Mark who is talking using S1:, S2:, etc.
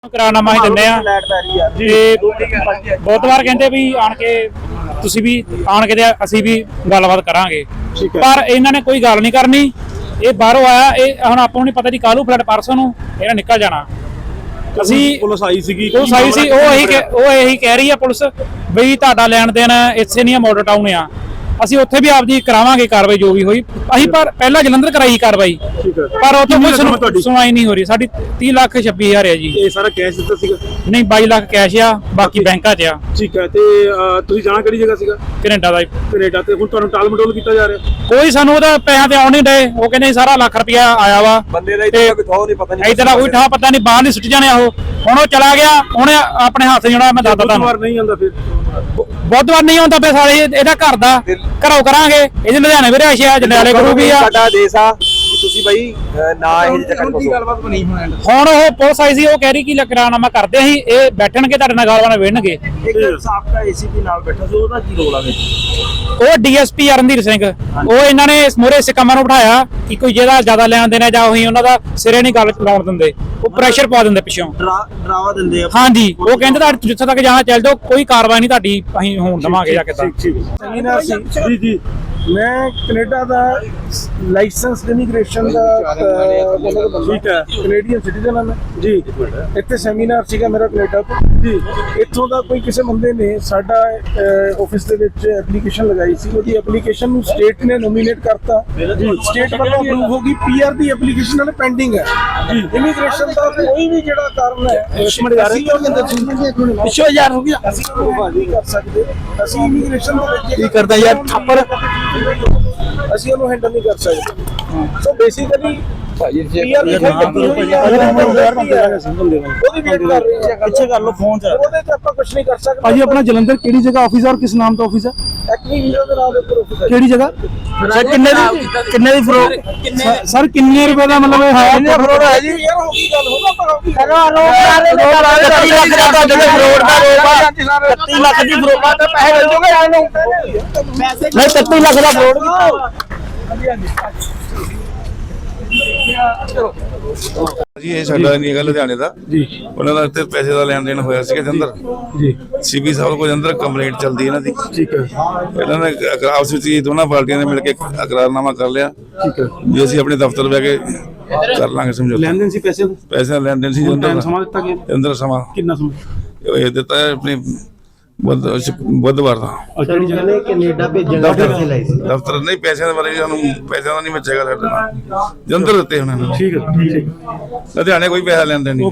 S1: ਕਰਾਰਨਾਮਾ ਹੀ ਦਿੰਦੇ ਆ ਤੇ ਬਹੁਤ ਵਾਰ ਕਹਿੰਦੇ ਵੀ ਆਣ ਕੇ ਤੁਸੀਂ ਵੀ ਆਣ ਕੇ ਤੇ ਅਸੀਂ ਵੀ ਗੱਲਬਾਤ ਕਰਾਂਗੇ, ਪਰ ਇਹਨਾਂ ਨੇ ਕੋਈ ਗੱਲ ਨਹੀਂ ਕਰਨੀ। ਇਹ ਬਾਹਰੋਂ ਆਇਆ, ਇਹ ਹੁਣ ਆਪਾਂ ਨੂੰ ਨਹੀਂ ਪਤਾ ਜੀ ਕਾਲੂ ਫਲੱਡ ਪਰਸੋਂ ਨੂੰ ਇਹਨਾਂ ਨਿਕਲ ਜਾਣਾ। ਅਸੀਂ
S2: ਪੁਲਿਸ ਆਈ ਸੀਗੀ,
S1: ਪੁਲਿਸ ਆਈ ਸੀ, ਉਹ ਇਹੀ ਕਹਿ ਰਹੀ ਆ ਪੁਲਿਸ ਬਈ ਤੁਹਾਡਾ ਲੈਣ ਦੇਣ ਇੱਥੇ ਨਹੀਂ ਆ, ਮਾਡਲ ਟਾਊਨ ਆ। ਅਸੀਂ ਉੱਥੇ ਵੀ ਆਪਦੀ ਕਰਾਵਾਂਗੇ ਕਾਰਵਾਈ ਜੋ ਵੀ ਹੋਈ। ਅਸੀਂ ਪਰ ਪਹਿਲਾਂ ਜਲੰਧਰ ਕਰਾਈ ਕਾਰਵਾਈ, ਪਰ ਉੱਥੇ ਕੋਈ ਸੁਣਵਾਈ ਨਹੀਂ ਹੋ ਰਹੀ। ਸਾਡੀ 30,26,000 ਹੈ ਜੀ।
S2: ਇਹ ਸਾਰਾ ਕੈਸ਼ ਦਿੱਤਾ ਸੀਗਾ?
S1: ਨਹੀਂ 22 ਲੱਖ ਕੈਸ਼ ਆ, ਬਾਕੀ ਬੈਂਕਾਂ 'ਚ ਆ।
S2: ਠੀਕ ਹੈ, ਤੇ ਤੁਸੀਂ ਜਾਣਾ ਕਿਹੜੀ ਜਗ੍ਹਾ ਸੀਗਾ?
S1: ਕੈਨੇਡਾ ਦਾ।
S2: ਕੈਨੇਡਾ। ਤੇ ਹੁਣ ਤੁਹਾਨੂੰ ਟਾਲ ਮਟੋਲ ਕੀਤਾ ਜਾ ਰਿਹਾ?
S1: ਕੋਈ ਸਾਨੂੰ ਉਹਦਾ ਪੈਸਿਆਂ ਤੇ ਆਉਣ ਨਹੀਂ ਡਏ। ਉਹ ਕਹਿੰਦੇ ਸਾਰਾ ਲੱਖ ਰੁਪਇਆ ਆਇਆ ਵਾ
S3: ਬੰਦੇ ਦਾ ਕੋਈ ਥਾਂ ਨਹੀਂ, ਪਤਾ ਨਹੀਂ
S1: ਇੱਧਰ ਦਾ ਕੋਈ ਠਾ ਪਤਾ ਨਹੀਂ, ਬਾਹਰ ਨਹੀਂ ਸੁੱਟ ਜਾਣੇ ਉਹ। ਹੁਣ ਉਹ ਚਲਾ ਗਿਆ, ਉਹਨੇ ਆਪਣੇ ਹੱਥ ਜਿਹੜਾ ਮੈਂ ਦੱਸਦਾ ਤੁਹਾਨੂੰ
S2: ਨਹੀਂ ਆਉਂਦਾ, ਫਿਰ
S1: ਬੁੱਧਵਾਰ ਨਹੀਂ ਆਉਂਦਾ ਪਿਆ। ਸਾਰੇ ਇਹਦਾ ਘਰ ਦਾ ਘਰੋਂ ਕਰਾਂਗੇ। ਇਹਦੇ ਲੁਧਿਆਣੇ ਵੀ ਰਿਹਾਇਸ਼ ਆ, ਜੰਡਿਆਲੇ ਗੁਰੂ ਵੀ ਆ।
S3: ਸਾਡਾ ਦੇਸ਼ ਆ, ਤੁਸੀਂ ਬਾਈ ਨਾ ਇਹ ਚੱਕਰ ਕੋਸੋ। ਗੱਲਬਾਤ ਬਣੀ
S1: ਹੁਣ ਉਹ ਪੁਲਿਸ ਆਈ ਸੀ, ਉਹ ਕਹਿ ਰਹੀ ਕਿ ਕਰਾਰਨਾਮਾ ਕਰਦੇ ਸੀ, ਇਹ ਬੈਠਣਗੇ ਤੁਹਾਡੇ ਨਾਲ ਗੱਲਬਾਤ ਵਿੜਨਗੇ।
S3: ਇੱਕ ਸਾਬਕਾ ਏਸੀਪੀ ਨਾਲ ਬੈਠਾ ਸੀ, ਉਹਦਾ ਕੀ ਰੋਲ ਆ ਵਿੱਚ?
S1: ਉਹ ਡੀਐਸਪੀ ਅਰਨਦੀਪ ਸਿੰਘ, ਉਹ ਇਹਨਾਂ ਨੇ ਮੋਰੇ ਇਸ ਕੰਮਾਂ ਨੂੰ ਬਿਠਾਇਆ ਕਿ ਕੋਈ ਜਿਹਦਾ ਜ਼ਿਆਦਾ ਲੈਣ ਦੇਣਾ ਜਾਂ ਉਹੀ ਉਹਨਾਂ ਦਾ ਸਿਰੇ ਨਹੀਂ ਗੱਲ ਲਾਉਣ ਦਿੰਦੇ, ਉਹ ਪ੍ਰੈਸ਼ਰ ਪਾ ਦਿੰਦੇ ਪਿੱਛੋਂ,
S3: ਡਰਾਵਾ ਦਿੰਦੇ ਆ।
S1: ਹਾਂਜੀ, ਉਹ ਕਹਿੰਦੇ ਤੁਹਾਡੇ ਜਿੱਥੇ ਤੱਕ ਜਾਣਾ ਚੱਲ ਜਾਓ, ਕੋਈ ਕਾਰਵਾਈ ਨਹੀਂ ਤੁਹਾਡੀ ਅਸੀਂ ਹੋਣ ਦੇਵਾਂਗੇ ਜਾਂ ਕਿੱਦਾਂ।
S2: ਜੀ ਜੀ, ਮੈਂ ਕੈਨੇਡਾ ਦਾ ਲਾਇਸੈਂਸ ਇਮੀਗ੍ਰੇਸ਼ਨ ਦਾ ਠੀਕ ਹੈ, ਕੈਨੇਡੀਅਨ ਸਿਟੀਜ਼ਨ ਹਾਂ ਮੈਂ ਜੀ। ਇੱਥੇ ਸੈਮੀਨਾਰ ਸੀਗਾ ਮੇਰਾ ਕੈਨੇਡਾ ਤੋਂ ਜੀ। ਇੱਥੋਂ ਦਾ ਕੋਈ ਕਿਸੇ ਬੰਦੇ ਨੇ ਸਾਡਾ ਆਫਿਸ ਦੇ ਵਿੱਚ ਐਪਲੀਕੇਸ਼ਨ ਲਗਾਈ ਸੀ, ਉਹਦੀ ਐਪਲੀਕੇਸ਼ਨ ਨੂੰ ਸਟੇਟ ਨੇ ਨੋਮੀਨੇਟ ਕਰਤਾ ਜੀ। ਸਟੇਟ ਵੱਲੋਂ ਅਪਰੂਵ ਹੋ ਗਈ, ਪੀਆਰ ਦੀ ਐਪਲੀਕੇਸ਼ਨ ਨਾਲ ਪੈਂਡਿੰਗ ਹੈ ਜੀ। ਇਮੀਗ੍ਰੇਸ਼ਨ ਦਾ ਕੋਈ ਵੀ ਜਿਹੜਾ ਕਾਰਨ ਹੈ ਪਿੱਛੋਂ ਯਾਰ ਹੋ ਗਿਆ, ਅਸੀਂ ਨਹੀਂ ਕਰ ਸਕਦੇ। ਅਸੀਂ ਇਮੀਗ੍ਰੇਸ਼ਨ ਦੇ ਵਿੱਚ
S3: ਕੀ ਕਰਦਾ ਯਾਰ ਥੱਪੜ,
S2: ਅਸੀਂ ਉਹਨੂੰ ਹੈਂਡਲ ਨਹੀਂ ਕਰ ਸਕਦੇ। ਸੋ ਬੇਸਿਕਲੀ ਪੀਆਰ ਦੀ
S3: ਪਿੱਛੇ ਕਰ ਲਓ ਫੋਨ ਚ,
S2: ਉਹਦੇ ਤੇ ਆਪਾਂ ਕੁਝ ਨਹੀਂ ਕਰ ਸਕਦੇ।
S4: ਭਾਜੀ ਆਪਣਾ ਜਲੰਧਰ ਕਿਹੜੀ ਜਗ੍ਹਾ ਆਫਿਸ ਹੈ ਔਰ ਕਿਸ ਨਾਮ ਦਾ ਆਫਿਸ ਹੈ?
S2: ਐਕਟਿਵ ਵੀਜ਼ਾ ਦੇ ਨਾਮ ਦੇ ਉੱਪਰ ਆਫਿਸ ਹੈ।
S4: ਕਿਹੜੀ ਜਗ੍ਹਾ
S1: ਸਰ ਕਿੰਨੇ ਦੀ ਫਰੋਡ,
S4: ਸਰ ਕਿੰਨੇ ਰੁਪਏ ਦਾ ਮਤਲਬ ਇਹ ਹੈ?
S2: ਕਿੰਨੇ ਫਰੋਡ ਹੈ ਜੀ? ਯਾਰ ਹੋ ਗਈ ਗੱਲ, ਹੋਗਾ ਪਰ ਹੋ ਗਈ।
S1: 30 ਲੱਖ ਦੀ ਫਰੋਡ ਦਾ ਪੈਸੇ ਮਿਲ ਜੂਗੇ ਇਹਨੂੰ। ਨਹੀਂ 30 ਲੱਖ ਦਾ ਫਰੋਡ
S5: ਜੀ। ਇਹ ਸਾਡਾ ਨਹੀਂ ਹੈਗਾ ਲੁਧਿਆਣੇ ਦਾ ਜੀ। ਉਹਨਾਂ ਦਾ ਇੱਥੇ ਪੈਸੇ ਦਾ ਲੈਣ ਦੇਣ ਹੋਇਆ ਸੀਗਾ ਜਲੰਧਰ
S4: ਜੀ।
S5: ਸੀਪੀ ਸਾਹਿਬ ਕੋਲ ਜਲੰਧਰ ਕੰਪਲੇਂਟ ਚੱਲਦੀ ਇਹਨਾਂ ਦੀ।
S4: ਠੀਕ ਹੈ,
S5: ਇਹਨਾਂ ਨੇ ਆਪਸ ਵਿੱਚ ਹੀ ਦੋਨਾਂ ਪਾਰਟੀਆਂ ਨੇ ਮਿਲ ਕੇ ਇਕਰਾਰਨਾਮਾ ਕਰ ਲਿਆ
S4: ਠੀਕ ਹੈ
S5: ਵੀ ਅਸੀਂ ਆਪਣੇ ਦਫ਼ਤਰ ਬਹਿ ਕੇ ਕਰ ਲਾਂਗੇ ਸਮਝੌਤਾ।
S4: ਲੈਣ ਦੇਣ ਸੀ ਪੈਸੇ ਦਾ?
S5: ਪੈਸੇ ਦਾ ਲੈਣ ਦੇਣ ਸੀ
S4: ਟਾਈਮ ਸਮਾਂ ਦਿੱਤਾ ਗਿਆ?
S5: ਜਲੰਧਰ ਸਮਾਂ
S4: ਕਿੰਨਾ ਸਮਾਂ
S5: ਇਹ ਦਿੱਤਾ ਹੈ ਆਪਣੀ ਬੁੱਧਵਾਰ ਦਾ।
S4: ਕਿਹੜੀ ਜਗ੍ਹਾ?
S3: ਕੈਨੇਡਾ ਭੇਜਣ ਦਾ ਪੈਸੇ ਲਏ ਸੀ।
S5: ਦਫ਼ਤਰ ਨਹੀਂ, ਪੈਸਿਆਂ ਦੇ ਬਾਰੇ ਸਾਨੂੰ ਪੈਸਿਆਂ ਦਾ ਨਹੀਂ ਬਚੇਗਾ ਸਾਡੇ ਨਾਲ। ਜਲੰਧਰ ਦਿੱਤੇ ਉਹਨਾਂ ਨੇ।
S4: ਠੀਕ ਹੈ, ਠੀਕ ਹੈ।
S5: ਲੁਧਿਆਣੇ ਕੋਈ ਪੈਸਾ ਲੈਣ ਦੇਣ ਨਹੀਂ।